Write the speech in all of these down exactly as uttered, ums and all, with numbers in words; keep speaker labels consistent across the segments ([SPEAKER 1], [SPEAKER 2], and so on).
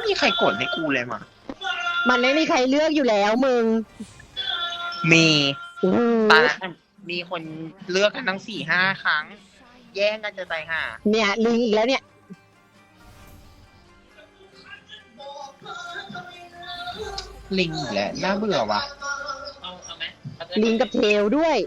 [SPEAKER 1] มีใครกดให้กูเลยมา
[SPEAKER 2] มันไม่มีใครเลือกอยู่แล้วมึง
[SPEAKER 1] มีตอนนั้นมีคนเลือกกันทั้งสี่ห้าครั้งแย่งกันจะตายห่า
[SPEAKER 2] เนี่ยลิงอีกแล้วเนี่ย
[SPEAKER 1] ลิงอีกแล้วน่าเบื่อว่ะ
[SPEAKER 2] ลิงกับเทลด้วย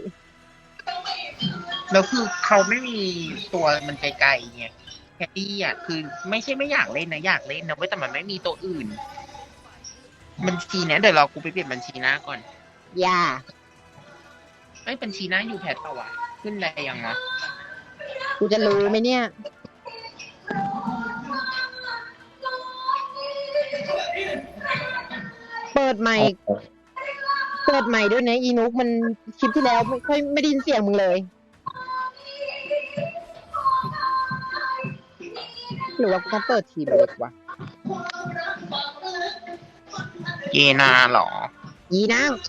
[SPEAKER 1] แล้วคือเขาไม่มีตัวมันไกลๆไงแคดดี้อ่ะคือไม่ใช่ไม่อยากเล่นนะอยากเล่นนะเว้ยแต่มันไม่มีตัวอื่นบัญชีเนี้ยเดี๋ยวเรากูไปเปลี่ยนบัญชีหน้าก่อน
[SPEAKER 2] อย่า
[SPEAKER 1] ไอ้บัญชีหน้าอยู่แพทต่อวะขึ้นอะไรยังวะ
[SPEAKER 2] กูจะรู้ไหมเนี่ยเปิดใหม่เปิดใหม่ด้วยนะอีนุกมันคลิปที่แล้วไม่ค่อยไม่ได้ยินเสียงมึงเลยหรือว่ากูต้องเปิดทีมเล็กวะ
[SPEAKER 1] เยนาหรอ
[SPEAKER 2] ยีนาง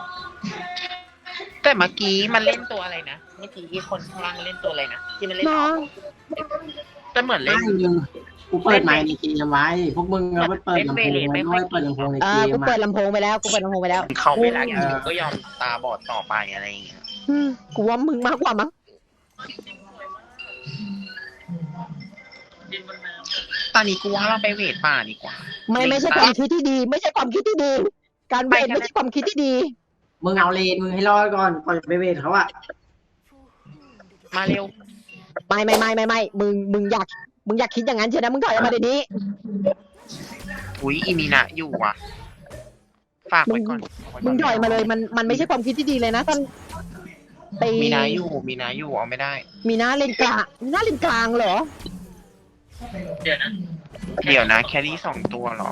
[SPEAKER 1] แต่เมื่อกี้มันเล่นตัวอะไรนะเมื่อกี้ที่คนข้างล่างเล่นตัวอะไรนะที่มันเล่นแต่เหมือนเล่น
[SPEAKER 3] กูเปิดไมค์ในเกมไว้พวกมึงเอาไปเปิดลำโพงไว้ด้วยเปิดลำโพงในเกม
[SPEAKER 2] กูเปิดลำโพงไปแล้วกูเปิดลำโพงไปแล้ว
[SPEAKER 1] เขาไม่รักอย่างกูก็ยอมตาบอดต่อไปอะไรอย่างเงี้ย
[SPEAKER 2] กูว่ามึงมากกว่ามั้ง
[SPEAKER 1] ตอนนี้กูว่าเราไปเวทป่าดีกว่า
[SPEAKER 2] ไม่ไม่ใช่ความคิดที่ดีไม่ใช่ความคิดที่ดีการเวทไม่ใช่ความคิดที่ดี
[SPEAKER 3] มึงเอาเลนมึงให้รอดก่อนก่อนจะไปเวทเขาอะ
[SPEAKER 1] มาเร็ว
[SPEAKER 2] ไม่ไม่ไม่ไม่ไม่มึงมึงอยากมึงอยากคิดอย่างนั้นเชียวนะมึงถอยออกมาเดี๋ยวนี้
[SPEAKER 1] อุ้ยอีมีนะอยู่อ่ะฝากไว้ก่อน
[SPEAKER 2] มึงถอยมาเลยมันมันไม่ใช่ความคิดที่ดีเลยนะท่าน
[SPEAKER 1] มีนาอยู่มีนาอยู่เอาไม่ได้
[SPEAKER 2] มีนาเลนกลางมีนาเลนกลางเหรอ
[SPEAKER 1] เดี๋ยวนะเดี๋ยวนะแครี่สองตัวเหรอ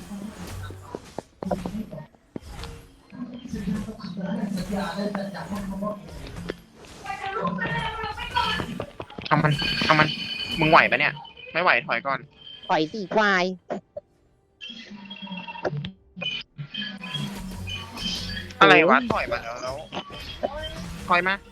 [SPEAKER 1] เอามันเอามันมึงไหวปะเนี่ยไม่ไหวถอยก่อน
[SPEAKER 2] ถอยสี่ควาย
[SPEAKER 1] อะไรวะถอยมาแล้วแล้วถอยมา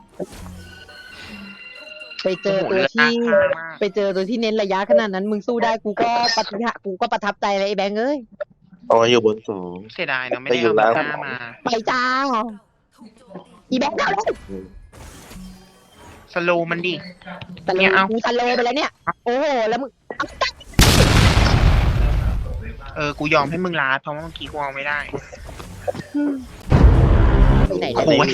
[SPEAKER 2] ไปเจอตัวที่ไปเจอตัวที่เน้นระยะขนาดนั้นมึงสู้ได้กูก็ปฏิหะกูก็ประทับใจเลยไอ้แบงค์เอ้ย
[SPEAKER 4] โอ้ยอยู่บนสูง
[SPEAKER 1] เสียดายเนาะไม่ได้เอาหน้ามา
[SPEAKER 2] ไปจ้าอีแบงค์ได้แล้ว
[SPEAKER 1] สโลมันดิ
[SPEAKER 2] สโลเอาสโลไปแล้วเนี่ยโอ้โหแล้วมึง
[SPEAKER 1] เออกูยอมให้มึงลาเพราะว่าเมื่อกี้กูเอาไม่ได้
[SPEAKER 2] ไปไหน
[SPEAKER 1] โอ้ย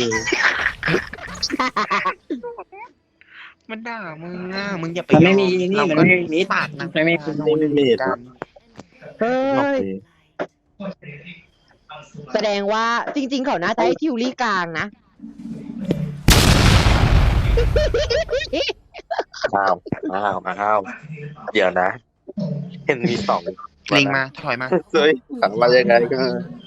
[SPEAKER 1] มันด่ามึงอ่ะมึงอย่าไป
[SPEAKER 3] ไม่มีนี่มันไม่มี
[SPEAKER 1] ปากนะ
[SPEAKER 3] ไม่ไม่
[SPEAKER 1] คุณ
[SPEAKER 3] ไม่
[SPEAKER 1] ไม่มีกัน
[SPEAKER 2] เฮ้ยแสดงว่าจริงๆเขาน่าจะให้ทิวลี่กลางนะ
[SPEAKER 4] อ้าวอ้าวอ้าวเดี๋ยวนะเห็นมีสอง
[SPEAKER 1] ลิงมาถอยมา
[SPEAKER 4] เฮ้ยขังมายังไงก็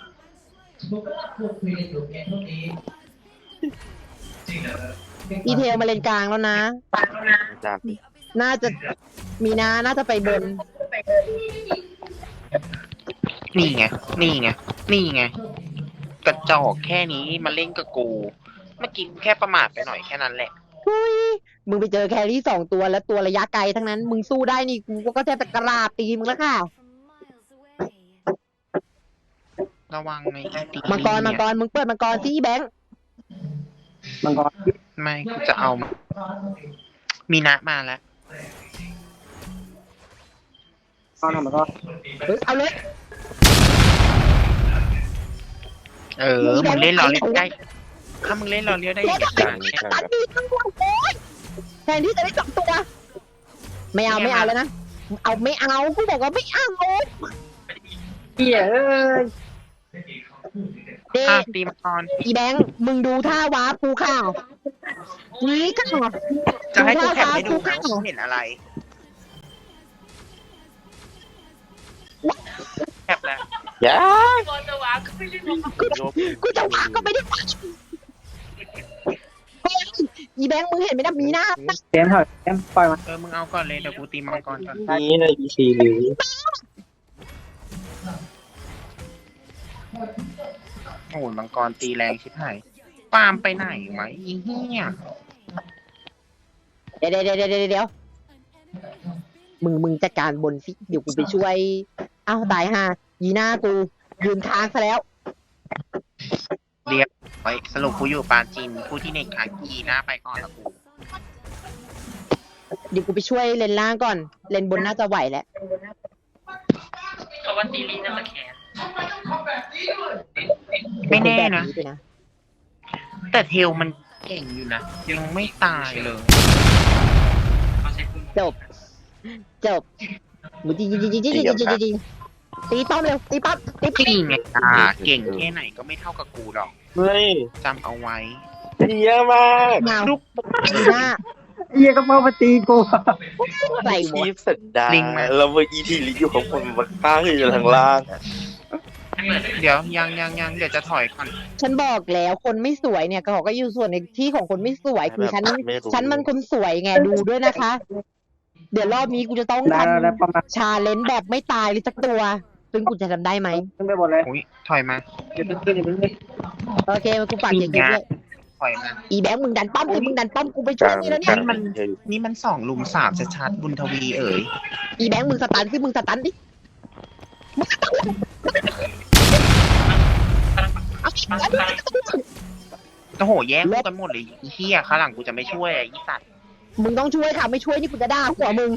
[SPEAKER 2] อีเทลมาเลนกลางแล้วนะน่าจะมีนาน่าจะไปบน
[SPEAKER 1] นี่ไงนี่ไงนี่ไงกระจอกแค่นี้มาเล่นกับกูเมื่อกี้แค่ประมาทไปหน่อยแค่นั้นแหละ
[SPEAKER 2] มึงไปเจอแครี่สองตัวแล้วตัวระยะไกลทั้งนั้นมึงสู้ได้นี่กูก็แทบจะกระลาตีมึงแล้วค่ะ
[SPEAKER 1] ระวังใน
[SPEAKER 2] ตีมังกรมังกรมึงเปิดมังกรสิแบงค์
[SPEAKER 3] มังกร
[SPEAKER 1] ไม่กูจะเอามีนะมาแล้ว
[SPEAKER 3] เอาหน่อยมังกร
[SPEAKER 2] เอาเลย
[SPEAKER 1] เออมึงเล่นเราเล่นได้ถ้ามึงเล่นเราเลี้ยวได้อย่าง
[SPEAKER 2] นี้แทนที่จะได้สองตัวไม่เอาไม่เอาแล้วนะเอาไม่เอากูบอกว่าไม่เอา
[SPEAKER 3] เหี้ยเอ้ย
[SPEAKER 2] เด็ก
[SPEAKER 1] ตีมังกร
[SPEAKER 2] อีแบงค์มึงดูท่าวาปูข่าวนี่ก็
[SPEAKER 1] จะให้กูแคปให้ดูนะเห็นอะไรแคปแล้ว
[SPEAKER 4] ย่า
[SPEAKER 2] กูจะวางก็ไม่ได้กูจะวางก็ไม่ได้อีแบงค์มึงเห็นไหมนะมีหน้า
[SPEAKER 3] เต็มเถอะเต็มปล่อยมัน
[SPEAKER 1] เออมึงเอาก่อนเลยเดี๋ยวกูตีมังกรก่อน
[SPEAKER 4] นี่ในอีซีหรือ
[SPEAKER 1] โอ้ยมังกรตีแรงชิบหายปามไปไหนวะอีเหี้ย
[SPEAKER 2] เดี๋ยวเดี๋ยวเดี๋ยวเดี๋ยวมึงมึงจัดการบนสิเดี๋ยวกูไปช่วยอ้าวตายห่ายีหน้ากูยืนค้างซะแล้ว
[SPEAKER 1] เรียบไว้สรุปกูอยู่ปาจีนผู้ที่ในคากีหน้าไปก่อนละกู
[SPEAKER 2] เดี๋ยวกูไปช่วยเลนล่างก่อน เลนบนน่าจะไหวแหละ
[SPEAKER 5] เขาว่าตีลีน่าจะแขน
[SPEAKER 1] ไม่แน่นะ
[SPEAKER 2] แบบไปนะ
[SPEAKER 1] แต่เทลมันเก่งอยู่นะ ยังไม่ตายเลย
[SPEAKER 5] เขาใช้ปืน
[SPEAKER 2] จบ จบมึงจริงจริงจริงจริงจริงจริงจริงตีป้อมเร็วตีป้อมตีป้อม
[SPEAKER 1] จริงไงอ่าเก่งแค่ไหนก็ไม่เท่ากับกูหรอก
[SPEAKER 4] เฮ้ย
[SPEAKER 1] จำเอาไว้
[SPEAKER 4] เยอะมาก
[SPEAKER 2] เงา
[SPEAKER 1] ลูก
[SPEAKER 2] ยีหน้า
[SPEAKER 3] เฮียก็เมามาตีกู
[SPEAKER 2] ใส่หม
[SPEAKER 4] ชี
[SPEAKER 2] ด
[SPEAKER 4] พสันดานแล้วเมื่อกี้ที่ลิอยู่ข้างบนมันข้างอยู่ทางล่างอะ
[SPEAKER 1] เดี๋ยวยังยังยังเดี๋ยวจะถอยก่อน
[SPEAKER 2] ฉันบอกแล้วคนไม่สวยเนี่ยก็เขาก็อยู่ส่วนในที่ของคนไม่สวยคือฉัน
[SPEAKER 4] ไม่รู้
[SPEAKER 2] ฉันมันคนสวยไงดูด้วยนะคะ เดี๋ยวรอบนี้กูจะต้อง
[SPEAKER 3] ได้
[SPEAKER 2] ท
[SPEAKER 3] แล้วประมาณ
[SPEAKER 2] ำชาเลนจ์แบบไม่ตายเลยสักตัว ซึ่งกูจะทำได้ไหม
[SPEAKER 3] ขึ้นไปหมดเลย
[SPEAKER 1] อุ้ยถอยมา
[SPEAKER 3] เดี๋ยวขึ้นเดี๋ยวขึ้น
[SPEAKER 2] โอเคกูฝากเก็บเก็บด้วย
[SPEAKER 1] ถอยมา
[SPEAKER 2] อีแบงค์มึงดันป้อมสิมึงดันป้อมกูไปช่วยนี่แล้วเนี่ย
[SPEAKER 1] นี่มัน นี่มันสองลุมสามชัดๆบุญทวีเอ๋ย
[SPEAKER 2] อีแบงค์มึงสตันสิมึงสตันดิมึงสตันเอาสิเอาดิ
[SPEAKER 1] โอ้โหแย่งกูกันหมดเลยไอ้เฮียข้างหลังกูจะไม่ช่วยไอ้สัตว์
[SPEAKER 2] มึงต้องช่วยค่ะไม่ช่วยนี่กูจะด่าหัวมึง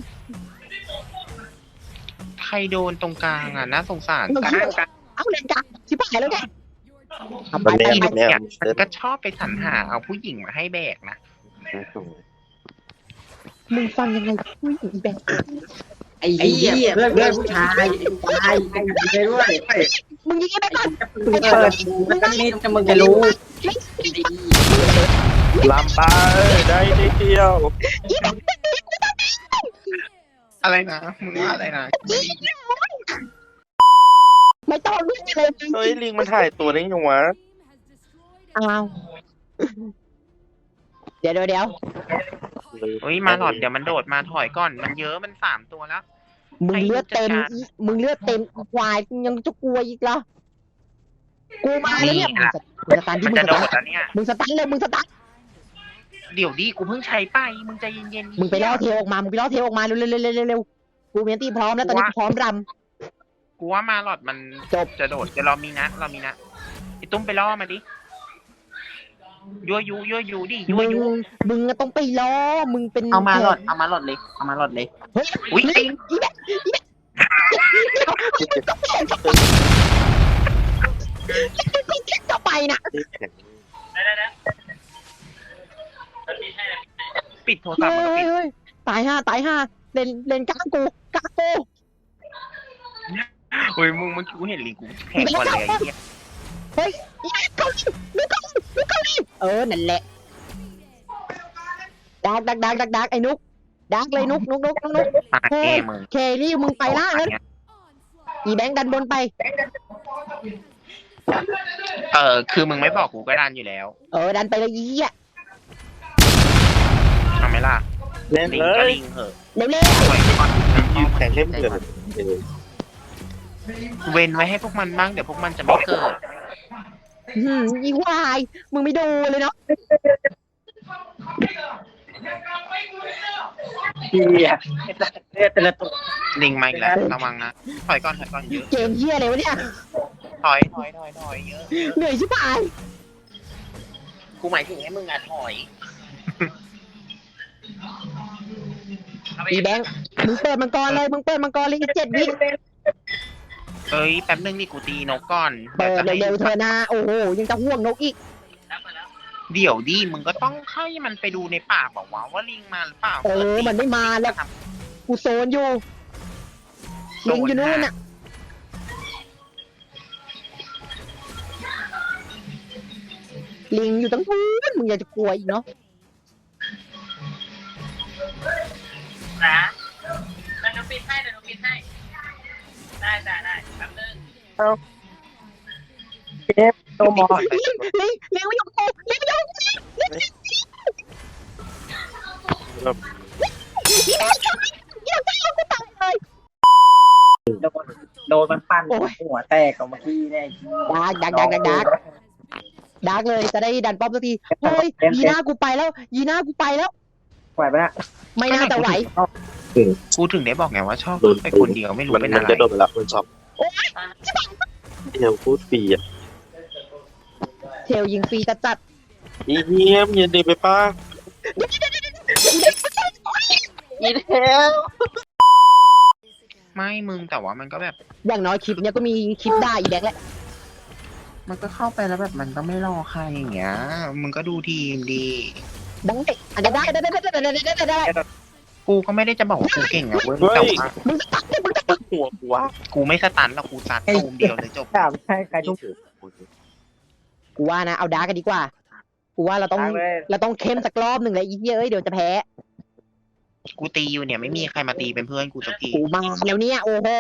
[SPEAKER 1] ใครโดนตรงกลางอ่ะน่าสงสาร
[SPEAKER 2] มึง
[SPEAKER 1] กลา
[SPEAKER 2] ช่วย
[SPEAKER 1] งกลาง
[SPEAKER 2] เอาเลนกลางชิบหายแล้วไงเอาไป
[SPEAKER 4] มัน
[SPEAKER 2] ไป
[SPEAKER 4] แน่
[SPEAKER 2] ไป
[SPEAKER 4] มันแน่
[SPEAKER 1] มันก็ชอบไปสรรหาเอาผู้หญิงมาให้แบกนะ
[SPEAKER 2] มึงฟังยังไงอุ้ยอีแบงค์
[SPEAKER 3] ไอ้เหี้ยเพื่อนเพื่อนผู้ชายผู้ชายไอ้เหี้ยด้วย
[SPEAKER 2] มึงยิงไอ้แบงค์ก่อน
[SPEAKER 3] มึงเปิดดูแล้วก็นี่จะมึงจะรู้
[SPEAKER 4] ลำไปได้ได้เดียว
[SPEAKER 1] อะไรนะมึงว่าอะไรนะ
[SPEAKER 2] ไม่ต้องรู้เลย
[SPEAKER 4] เฮ้ยลิงมันถ่ายตัวได้ยังวะ
[SPEAKER 2] อ้าวเดี๋ยวเดี๋ยวเดี๋ยว
[SPEAKER 1] เฮ้ยมาหลอดเดี๋ยวมันโดดมาถอยก่อนมันเยอะมันสามตัวแล้ว
[SPEAKER 2] มึงเลือดเต็มอีมึงเลือดเต็มอีควายมึงยังจะกลัวอีกเหรอกูมาแล้วเนี่ยมึงสตันที่
[SPEAKER 1] มัน
[SPEAKER 2] มึง
[SPEAKER 1] จะ
[SPEAKER 2] ส
[SPEAKER 1] โด
[SPEAKER 2] ตัน
[SPEAKER 1] ดแล้วเนี่ย
[SPEAKER 2] มึงสตันเลยมึงสตัน
[SPEAKER 1] เดี๋ยวดิกูเพิ่งใช้ไปมึงใจเย็นๆ
[SPEAKER 2] มึงไปล่อเทลออกมามึงไปล่อเทลออกมาเร็วเร็วเร็วเร็วเร็วกูเมียนตีพร้อมแล้วตอนนี้กูพร้อมร
[SPEAKER 1] กูว่ามาหลอดมัน
[SPEAKER 2] จบ
[SPEAKER 1] จะโดดเดี๋ยวเรามีนะเรามีนะไอ้ตุ้มไปล่อมาดิยั่วยุยั่วยุดิ
[SPEAKER 2] ำ
[SPEAKER 1] ยั่ว
[SPEAKER 2] มึง
[SPEAKER 1] ยุ
[SPEAKER 2] มึงต้องไปล่อมึงเป็น
[SPEAKER 1] เอามาหลอดเอามาหลอดเลยเอามาหลอดเลย
[SPEAKER 2] เฮ้ย
[SPEAKER 1] อุ้ย
[SPEAKER 2] อีอีแบบอีแบบจะไปนะ
[SPEAKER 5] ได้ได้ได้แล้วตีให้นะ
[SPEAKER 1] ปิดโทรศัพท์มันก็
[SPEAKER 2] เฮ้
[SPEAKER 1] ปิ
[SPEAKER 2] ย
[SPEAKER 1] ด
[SPEAKER 2] เฮ้ยตายห้าตายห้าเลนเลนกลางกูกลางกู
[SPEAKER 1] เฮ้ยมึงเมื่อกี้กูเห็นลิงกูแข็งกว่าเลยไอ้เหี้ย
[SPEAKER 2] เฮ้ยอีเกาหลีดูเกาหลีดูเกาหลีเออนั่นแหละดักดักดักดักดักไอ้นุกดักเลยนุกนุกนุกนุกนุก
[SPEAKER 1] ตายแน่มึง
[SPEAKER 2] เคลลี่มึงไปล่างแล้วอีแบงค์ดันบนไป
[SPEAKER 1] เออคือมึงไม่บอกกูก็ดันอยู่แล้ว
[SPEAKER 2] เออดันไปเลยอีอ่ะ
[SPEAKER 1] ทำไหมล่ะ
[SPEAKER 4] เล่น
[SPEAKER 1] ลิง
[SPEAKER 4] เล
[SPEAKER 1] ก็
[SPEAKER 4] ย
[SPEAKER 1] ลิงเหอะ
[SPEAKER 2] เร็วเร็ว
[SPEAKER 1] ปล่อยก่อน
[SPEAKER 4] ยืนแข่งเล่นเกิน
[SPEAKER 1] เว้นไว้ให้พวกมันบ้างเดี๋ยวพวกมันจะไม่เกิด
[SPEAKER 2] หืมอีวายมึงไม่ดูเลยเนาะ
[SPEAKER 3] เหี้ยเนี่ยแต่ละตัว
[SPEAKER 1] ลิงมาอีกแล้วระวังนะถอยก่อนถอยก่อนเยอะ
[SPEAKER 2] เกมเฮียอะไรวะเนี่ย
[SPEAKER 1] ถอยถอยถอยถอยเยอะ
[SPEAKER 2] เหนื่อยชิบหาย
[SPEAKER 1] กูหมายถึงให้มึงอะถอย
[SPEAKER 2] อีแบงค์มึงเปิดมังกรเลยมึงเปิดมังกรเลยอีกเจ็ดวิ
[SPEAKER 1] เอ้ยแป๊บนึงดิกูตีนกก่อน
[SPEAKER 2] เปิด
[SPEAKER 1] ดี๋ยวจะให้
[SPEAKER 2] เร็วๆเธอะนะโอ้โหยังจะห่วงนกอีก
[SPEAKER 5] แล้วไปแล้ว
[SPEAKER 1] เดี๋ยวดิมึงก็ต้องให้มันไปดูในป่าบอกว่าวะว่าลิงมาหรือเปล่า
[SPEAKER 2] เออมันไม่มาแล้วกูโซนอยู่ลิงอยู่นู่นน่ะลิงอยู่ตั้งนู้นมึงอยากจะกลัวอีกเนาะ
[SPEAKER 5] นะเดี๋ยวหนูปิดให้เดี๋ยวหนูปิดให้ ได้ได้ได้แป๊บนึง
[SPEAKER 3] เจ็บตัวหมอ
[SPEAKER 2] ลิงลิงลิงไม่ยอมกูลิงไม่ยอมกูลิงลิงลิงลิงจะยอมกูตายเลย
[SPEAKER 3] โดนโดนมันปั้นหัวแตกกับเมื่อกี้เนี่ย
[SPEAKER 2] ดักดักดักดักดักดักเลยจะได้ดันป้อมสักทีเฮ้ยยีน่ากูไปแล้วยีน่ากูไปแล้ว
[SPEAKER 3] ไหวปะเนี่ย
[SPEAKER 2] ไม่น่าจะไหว
[SPEAKER 1] กูถึงได้บอกไงว่าชอบ
[SPEAKER 4] โดน
[SPEAKER 1] ไปคนเดียวไม่รู้
[SPEAKER 4] มัน
[SPEAKER 1] เป็น
[SPEAKER 4] มั
[SPEAKER 1] อะ
[SPEAKER 4] น
[SPEAKER 1] ไร
[SPEAKER 4] จะโดนไปแล้วมันชอบเดี๋ยวพูดฟรีอ่ะ
[SPEAKER 2] เทลยิงฟรีจัดจัด
[SPEAKER 4] อีเหี้ยมอย่าเดินไปป้าอีเทล
[SPEAKER 1] ไม่มึงแต่ว่ามันก็แบบ
[SPEAKER 2] ๆอย่างน้อยคลิปเนี้ยก็มีคลิปด่าอีแบงค์แหละ
[SPEAKER 1] มันก็เข้าไปแล้วแบบมันก็ไม่รอใครอย่างเงี้ยมึงก็ดูทีมดี
[SPEAKER 2] ได้อันนี้ได้ได้ได้ได้ได้ได้ได้ได้
[SPEAKER 1] กูก็ไม่ได้จะบอกว่ากูเก่งอะเว้ยแต่ว่า
[SPEAKER 2] มึงสตั๊กมึงสตั๊ก
[SPEAKER 4] หัวกูวะ
[SPEAKER 1] กูไม่สตันหรอกกูซัดตูมเดียวเลยจบ
[SPEAKER 6] ถามใช่ใครทุก
[SPEAKER 2] กูว่านะเอาดาร์กกันดีกว่ากูว่าเราต้อง
[SPEAKER 6] ทางเลย
[SPEAKER 2] เราต้องเข้มสักรอบหนึ่งเลยอีเหี้ยเอ้ยเดี๋ยวจะแพ้
[SPEAKER 1] กูตีอยู่เนี่ยไม่มีใครมาตีเป็นเพื่อนกูสักที
[SPEAKER 2] กูมาแล้วเนี่ยโอ้โห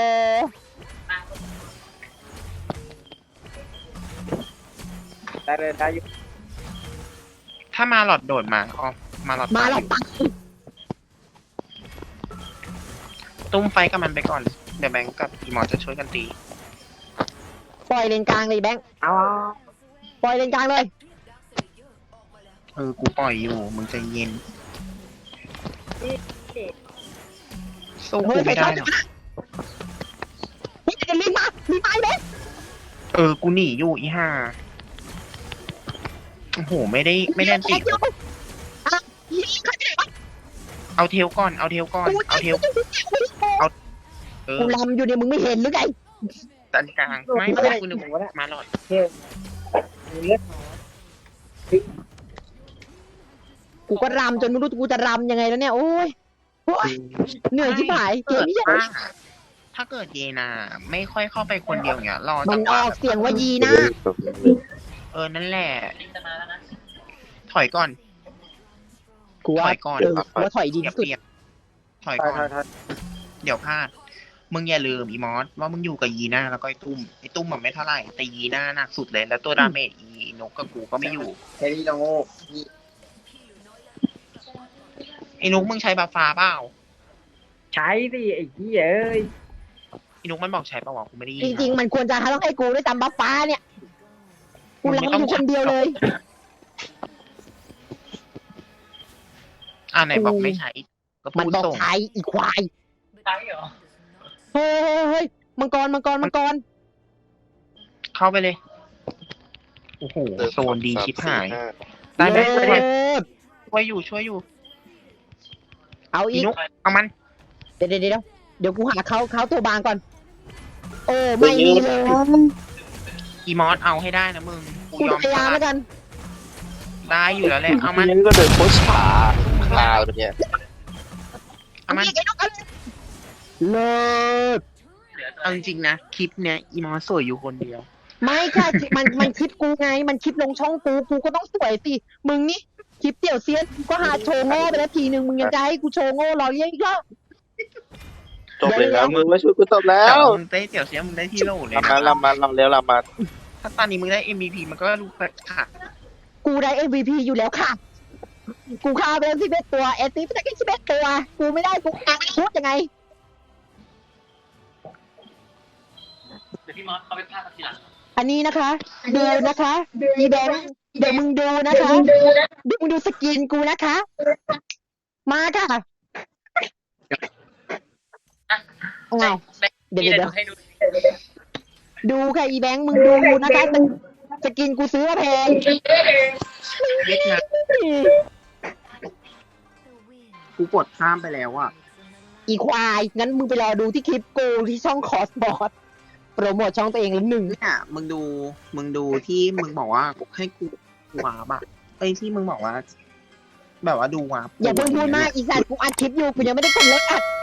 [SPEAKER 6] ได้เลยได้อยู่
[SPEAKER 1] ถ้ามาหลอดโดดมาอ๋อมาหลอด
[SPEAKER 2] มา
[SPEAKER 1] ตาย
[SPEAKER 2] เรา
[SPEAKER 1] อยู่
[SPEAKER 2] ปัก
[SPEAKER 1] ตุ้มไฟกับมันไปก่อนเดี๋ยวแบงก์กับอีหมอจะช่วยกันตี
[SPEAKER 2] ปล่อยเลนกลางเลยแบงค์
[SPEAKER 6] เอา
[SPEAKER 2] ปล่อยเลนกลางเลย
[SPEAKER 1] เออกูปล่อยอยู่มึงใจเย็นสู้กูไม่ได้หรอก
[SPEAKER 2] นี่จะลิงมาลิงมาไอ้แบงค์
[SPEAKER 1] เออกูหนีอยู่อีห่าโอ้โหไม่ได้ไม่ได้ติ
[SPEAKER 2] เดี๋ยวอ่ะยิงใครไปไหนวะ
[SPEAKER 1] เอาเทลก่อนเอาเทลก่อนเอาเทลเออ
[SPEAKER 2] กูลำอยู่เนี่ยมึงไม่เห็นหรือไง
[SPEAKER 1] ตันกลางไม่ไม่กูนึกว่ามาหลอด
[SPEAKER 6] มีเลือด
[SPEAKER 2] กูก็รำจนไม่รู้กูจะรำยังไงแล้วเนี่ยโอ้ยโอ้ยเหนื่อยชิบหายเกมนี้ยัง
[SPEAKER 1] ถ้าเกิดเยนาไม่ค่อยเข้าไปคนเดียวอย่างเงี้ยรอ
[SPEAKER 2] มั
[SPEAKER 1] จั
[SPEAKER 2] น
[SPEAKER 1] งห
[SPEAKER 2] อ
[SPEAKER 1] วะ
[SPEAKER 2] อกเสียงว่ายีนะ
[SPEAKER 1] เออนั่นแหละ
[SPEAKER 5] ลิงจะมาแล้วนะ
[SPEAKER 1] ถอยก่อน
[SPEAKER 2] กูว่า
[SPEAKER 1] ถอยก่อน
[SPEAKER 2] เออกูว่าถอยดี
[SPEAKER 1] เปรียบ
[SPEAKER 2] ที่สุด
[SPEAKER 1] เปรียบถอย
[SPEAKER 6] ถอ
[SPEAKER 1] ก่
[SPEAKER 6] ย
[SPEAKER 1] อน
[SPEAKER 6] ถอยถอย
[SPEAKER 1] เดี๋ยวพลาด มึงอย่าลืมอีมอสว่ามึงอยู่กับยีน่าแล้วก็ไอ้ตุ้มไอ้ตุ้มมันไม่เท่าไหร่แต่ยีน่าหนักสุดเลยแล้วตัวดาเมจอีนกกับกูก็ไม่อยู่
[SPEAKER 6] แค่นี้เราโง่
[SPEAKER 1] ไอ้นกมึงใช้บัฟฟ้าเปล่า
[SPEAKER 6] ใช้สิไอ้ที่เอ้ย
[SPEAKER 1] ไอ้นกมันบอกใช้เปล่าวะกูไม่ได้ยิน
[SPEAKER 2] จริงๆ มันควรจะต้องให้กูด้วยจำบัฟฟ้าเนี่ย กูรำอยู่คนเดียวเลย
[SPEAKER 1] อ่าไหนบอกไม่ใช้ก็
[SPEAKER 2] มัน
[SPEAKER 1] พูด
[SPEAKER 2] บอก
[SPEAKER 1] ส่ง
[SPEAKER 2] ใช้อีควาย
[SPEAKER 5] ใช่เหรอ
[SPEAKER 2] เฮ้ยเฮ้ยเฮ้ยมังกรมังกรมังกร
[SPEAKER 1] เข้าไปเลยโอ้โหโซนดีชิบหาย
[SPEAKER 2] เลิ
[SPEAKER 1] ได้ไหมได้ไหม
[SPEAKER 2] ศ
[SPEAKER 1] ช่วยอยู่ช่วยอยู่
[SPEAKER 2] เอาอี
[SPEAKER 1] อี
[SPEAKER 2] ก
[SPEAKER 1] นุกเอามัน
[SPEAKER 2] เดี๋ยวเดี๋ยวเดี๋ยวเดี๋ยวกูหาเขาเขาตัวบางก่อน โอ้ไม่มีเลย
[SPEAKER 1] อีมอสเอาให้ได้นะมึงกู
[SPEAKER 2] กู
[SPEAKER 1] ยอม
[SPEAKER 2] พยายาม
[SPEAKER 1] ส
[SPEAKER 2] แล้
[SPEAKER 1] ละ
[SPEAKER 2] วกัน
[SPEAKER 1] ได้อยู่แล้วแหละเอามัน
[SPEAKER 4] ยังก็เดินโคชขาคาวเนี่ย
[SPEAKER 1] เอามัน
[SPEAKER 2] อีกไอ้นกเอาเลยเลิศ
[SPEAKER 5] เหลือตัว
[SPEAKER 1] เอาจริงๆนะคลิปเนี้ยอีมอสสวยอยู่คนเดียว
[SPEAKER 2] ไม่ค่ะมันมันคลิปกูไง มันคลิปลงช่องกูกูก็ต้องสวยสิมึงนี่คลิปเตี่ยวเซียนกูก็หาโชว์โง่ไปแล้วทีนึงมึงยังจะให้กูโชว์โง่รอเลี้ยงอีกเหรอ
[SPEAKER 4] จบเลยแล้วมึงมาช่วยกูจบแล้
[SPEAKER 1] แต่
[SPEAKER 4] ว
[SPEAKER 1] ว่ามึงได้เสี่ยวเสียมึงได้ที่โหลเลย
[SPEAKER 4] ลำมา
[SPEAKER 1] นะ
[SPEAKER 4] ลำมาลำเร็วลำมา
[SPEAKER 1] ถ้าตอนนี้มึงได้ เอ็ม วี พี มันก็รู้ค่ะ
[SPEAKER 2] กูได้ เอ็ม วี พี อยู่แล้วค่ะ กูฆ่าไปแล้วสิบเอ็ดตัวเอสซีไปได้แค่สิบเอ็ดตัว กูไม่ได้กูอ่ะพูดยังไง
[SPEAKER 5] เดี๋ยวพี่มอสเขาไปพลาดทีหลัง
[SPEAKER 2] อันนี้นะคะ ดูนะคะอีแบงค์เดี๋ยวมึงดูนะคะเดี๋ยวมึงดูสกินกูนะคะ มาค่ะอ้าวเดี๋ยว
[SPEAKER 5] พี่
[SPEAKER 2] เดี๋ยว
[SPEAKER 5] จะ
[SPEAKER 2] เดี๋ยว
[SPEAKER 5] ดูให้ดู
[SPEAKER 2] ดูค่ะอีแบงค์มึงดูนะคะสสกินกูซื้อมาแพง
[SPEAKER 1] เย็ดนะกูกดข้ามไปแล้วอ่ะ
[SPEAKER 2] อีควาย งั้นมึงไปรอดูที่คลิปกูที่ช่องคอสบอร์ดโปรโมทช่องตัวเองแล้วหนึ่ง
[SPEAKER 1] เนี่ยมึงดู มึงดูที่มึงบอกว่าให้กูวาร์ปอะไอ้ยที่มึงบอกว่า แบบว่าดูวาร์ป
[SPEAKER 2] อย่าเพิ่งพูดมากอีสัตว์กูอัดคลิปอยู่กูยังไม่ได้กดเลิกอัด